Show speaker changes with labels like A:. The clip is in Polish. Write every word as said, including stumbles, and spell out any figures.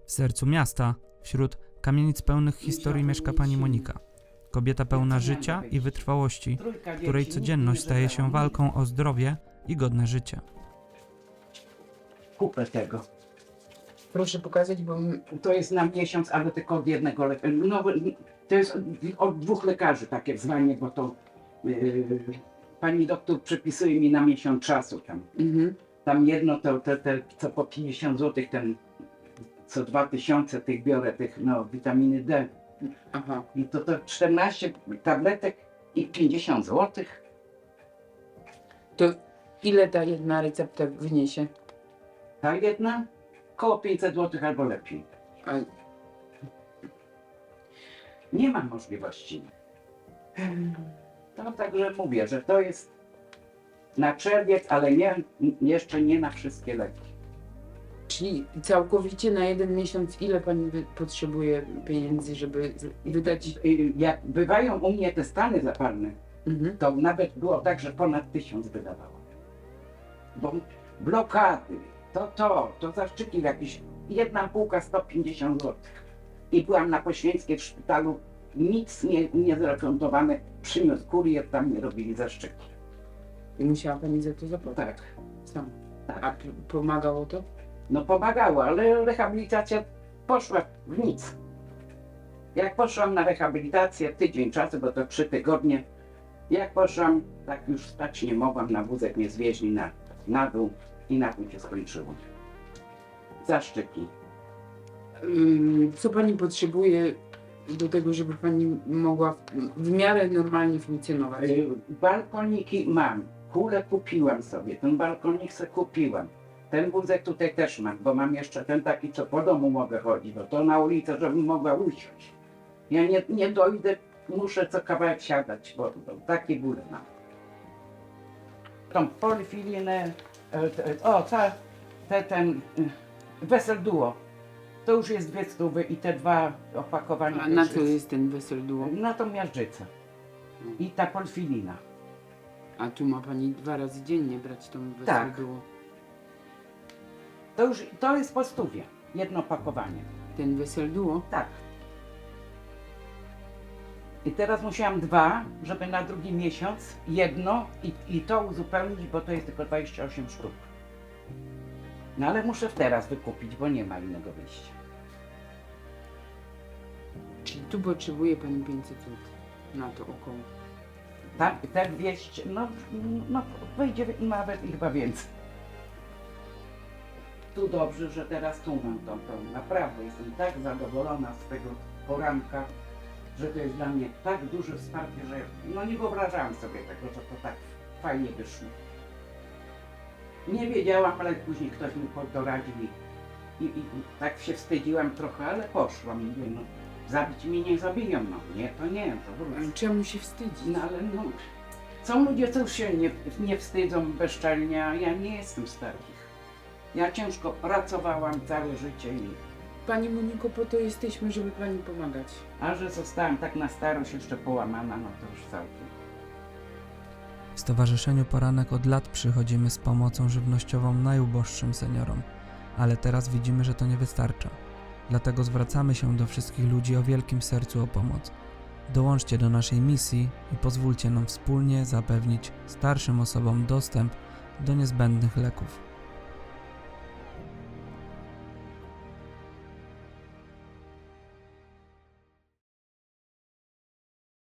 A: W sercu miasta, wśród kamienic pełnych historii mieszka pani Monika. Kobieta pełna życia i wytrwałości, której codzienność staje się walką o zdrowie i godne życie.
B: Kupę tego.
C: Proszę pokazać, bo m-
B: To jest na miesiąc, ale tylko od jednego lekarza. No, to jest od, od dwóch lekarzy takie wzwanie, bo to yy, pani doktor przepisuje mi na miesiąc czasu tam.
C: mhm.
B: Tam jedno to te, te co po pięćdziesiąt złotych, ten co dwa tysiące tych biorę, tych no witaminy D.
C: Aha.
B: I to to czternaście tabletek i pięćdziesiąt złotych.
C: To ile ta jedna recepta wyniesie?
B: Ta jedna koło pięćset złotych albo lepiej.
C: A,
B: Nie ma możliwości. To także mówię, że to jest na czerwiec, ale nie, jeszcze nie na wszystkie leki.
C: czyli całkowicie na jeden miesiąc ile pani wy- potrzebuje pieniędzy, żeby z- wydać?
B: Y, Jak bywają u mnie te stany zapalne,
C: Mhm.
B: to nawet było tak, że ponad tysiąc wydawało. Bo blokady, to to, to zaszczyki jakieś, jedna półka sto pięćdziesiąt złotych. I byłam na Poświęckiej w szpitalu, nic nie, nie zrefundowane, przyniósł kurier, tam mi robili zaszczyki.
C: I musiała pani za to zapłacić?
B: Tak,
C: Sam.
B: tak.
C: A p- pomagało to?
B: No pomagało, ale rehabilitacja poszła w nic. Jak poszłam na rehabilitację, tydzień czasu, bo to trzy tygodnie, jak poszłam, tak już stać nie mogłam, na wózek mnie zwieźli na, na dół i na tym się skończyło. Zaszczyki.
C: Ym, Co pani potrzebuje do tego, żeby pani mogła w, w miarę normalnie funkcjonować?
B: Y, Balkoniki mam, kulę kupiłam sobie, ten balkonik se kupiłam. Ten wózek tutaj też mam, bo mam jeszcze ten taki, co po domu mogę chodzić, bo to na ulicę, żebym mogła usiąść. Ja nie, nie dojdę, muszę co kawałek siadać, bo, bo takie bóle mam. Tą polifilinę, e, te, o, ta, te, ten y, Wesel Duo, to już jest dwie stówy i te dwa opakowania.
C: A na
B: też
C: co jest ten wesel duo?
B: Na tą miażdżycę. I ta polifilina.
C: A tu ma pani dwa razy dziennie brać tą wesel
B: Tak.
C: duo.
B: To już, to jest po stówie, jedno opakowanie.
C: Ten wesel duo?
B: Tak. I teraz musiałam dwa, żeby na drugi miesiąc jedno i, i to uzupełnić, bo to jest tylko dwadzieścia osiem sztuk. No ale muszę teraz wykupić, bo nie ma innego wyjścia.
C: Czyli tu potrzebuje pani pięćset złotych na to około.
B: Tak, te dwieście, no, no wyjdzie nawet i chyba więcej. Tu dobrze, że teraz tu mam tą, tą. Naprawdę jestem tak zadowolona z tego poranka, że to jest dla mnie tak duże wsparcie, że no nie wyobrażałam sobie tego, że to tak fajnie wyszło. Nie wiedziałam, ale później ktoś mi doradził i, i, i tak się wstydziłam trochę, ale poszłam. Mówię, no, zabić mnie nie zabiją, no nie, to nie, to
C: Ale
B: wrócę.
C: czemu się wstydzić?
B: No ale no, są ludzie, co już się nie, nie wstydzą bezczelnie, a ja nie jestem z takich. Ja ciężko pracowałam całe życie i
C: Pani Moniko, po to jesteśmy, żeby pani pomagać.
B: a że zostałam tak na starość jeszcze połamana, no to już całkiem.
A: W Stowarzyszeniu Poranek od lat przychodzimy z pomocą żywnościową najuboższym seniorom, ale teraz widzimy, że to nie wystarcza. Dlatego zwracamy się do wszystkich ludzi o wielkim sercu o pomoc. Dołączcie do naszej misji i pozwólcie nam wspólnie zapewnić starszym osobom dostęp do niezbędnych leków.